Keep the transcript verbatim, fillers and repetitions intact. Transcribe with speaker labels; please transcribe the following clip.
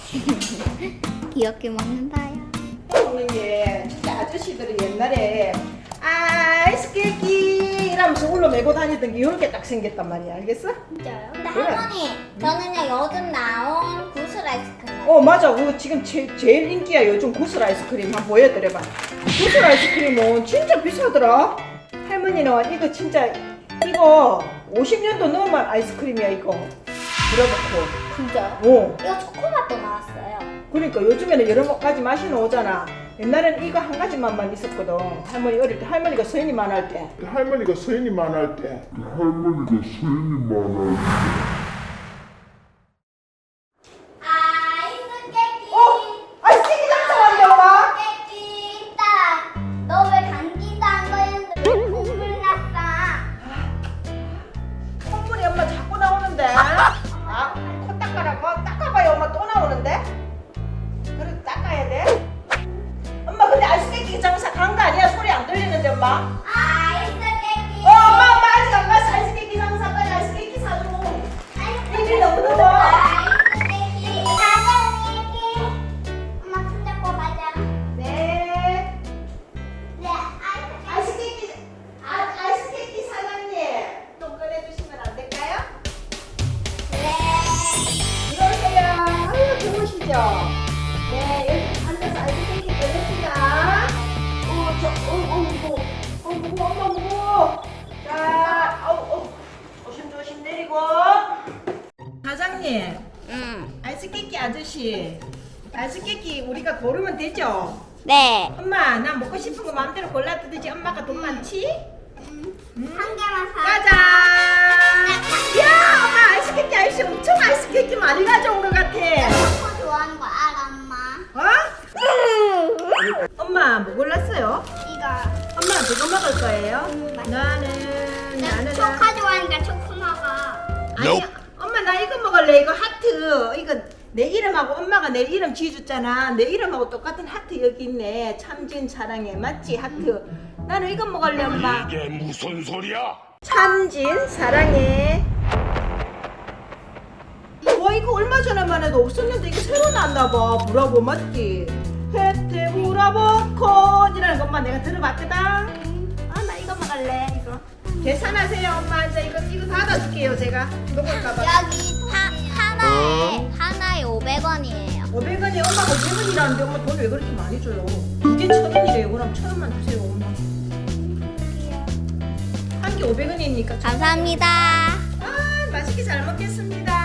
Speaker 1: 귀엽게 먹는다야.
Speaker 2: 먹는 게 진짜 아저씨들이 옛날에 아이스 케이크 이러면서 울러 메고 다니던 게 이렇게 딱 생겼단 말이야. 알겠어?
Speaker 1: 진짜요? 근데
Speaker 2: 그래.
Speaker 1: 할머니, 저는요 요즘 나온 구슬 아이스크림.
Speaker 2: 어 맞아. 그거 지금 제, 제일 인기야. 요즘 구슬 아이스크림 한번 보여드려봐. 구슬 아이스크림은 진짜 비싸더라. 할머니는 이거 진짜 이거 오십 년도 넘은 아이스크림이야 이거. 들어놓고.
Speaker 1: 진짜요?
Speaker 2: 어.
Speaker 1: 이거 초코맛도 나왔어요.
Speaker 2: 그러니까 요즘에는 여러 가지 맛이 나오잖아. 옛날에는 이거 한 가지 맛만 있었거든. 할머니 어릴 때 할머니가 서인이만 할 때.
Speaker 3: 할머니가 서인이만 할 때. 할머니가 서인이만 할 때.
Speaker 1: 아이스 케이크.
Speaker 2: 어? 아이스 케이크 장사 왔네 엄마.
Speaker 1: 케이크 딱. 너 왜 감기도 안 걸렸는데 왜 콧물 났어?
Speaker 2: 콧물이 엄마 자꾸 나오는데. 아, 코 닦아라고? 닦아봐요 엄마 또 나오는데. 그래도 닦아야 돼. 엄마 근데 아이스 케이크 장사 간 거 아니야? 소리 안 들리는데 엄마.
Speaker 1: 아이스 케이크.
Speaker 2: 어 엄마 엄마 아직 안 갔어. 아이스 케이크 장사 빨리 아이스 케이크 사줘. 입이 너무 더워.
Speaker 1: 아이스 케이크. 가자 케이크. 엄마 손 잡고 가자.
Speaker 2: 네.
Speaker 1: 네, 아이스
Speaker 2: 아이스 케이크 아, 아이스 케이크 사장님 좀 꺼내주시면 안 될까요?
Speaker 1: 네.
Speaker 2: 들어오세요. 아유 좋으시죠? 네 여기 앉아서 아이스 케이크 꺼냅시다. 어저 어, 어, 무거워. 어 무거워 엄마 무거워. 자 어우 어 조심조심 내리고. 사장님
Speaker 1: 응.
Speaker 2: 아이스 케이크 아저씨 아이스 케이크 우리가 고르면 되죠?
Speaker 1: 네.
Speaker 2: 엄마 나 먹고 싶은 거 마음대로 골라 뜯지. 엄마가 돈 많지?
Speaker 1: 한 개만 사.
Speaker 2: 짜잔! 야 엄마 아이스 케이크 아저씨 엄청 아이스 케이크 많이 가져온 것 같아.
Speaker 1: 초코 좋아하는 거 알아, 엄마?
Speaker 2: 어? 엄마 뭐 골랐어요?
Speaker 1: 이거.
Speaker 2: 엄마 그거 먹을 거예요?
Speaker 1: 음, 맛있어.
Speaker 2: 나는
Speaker 1: 나
Speaker 2: 나는
Speaker 1: 초코 좋아하니까 초코 먹어.
Speaker 2: 아니 엄마 나 이거 먹을래. 이거 하트 이거 내 이름하고 엄마가 내 이름 지어줬잖아. 내 이름하고 똑같은 하트 여기 있네. 참진 사랑해 맞지 하트. 나는 이거 먹을래 엄마.
Speaker 3: 이게 무슨 소리야?
Speaker 2: 참진 사랑해. 와 이거 얼마 전에만 해도 없었는데 이게 새로 나왔나 봐. 브라보 맞지? 혜태 브라보 콘이라는 것만 내가 들어봤거든. 아 나 이거 먹을래 이거. 계산하세요 엄마. 이제 이거 이거 받아줄게요 제가. 먹을까봐.
Speaker 1: 여기 하, 하나에 하나에 오백 원이에요.
Speaker 2: 오백 원이 엄마가 오백 원이라는데 엄마 돈 왜 그렇게 많이 줘요? 이게 천 원이래요. 그럼 천 원만 주세요 엄마. 한 개 오백 원이니까.
Speaker 1: 감사합니다.
Speaker 2: 아 맛있게 잘 먹겠습니다.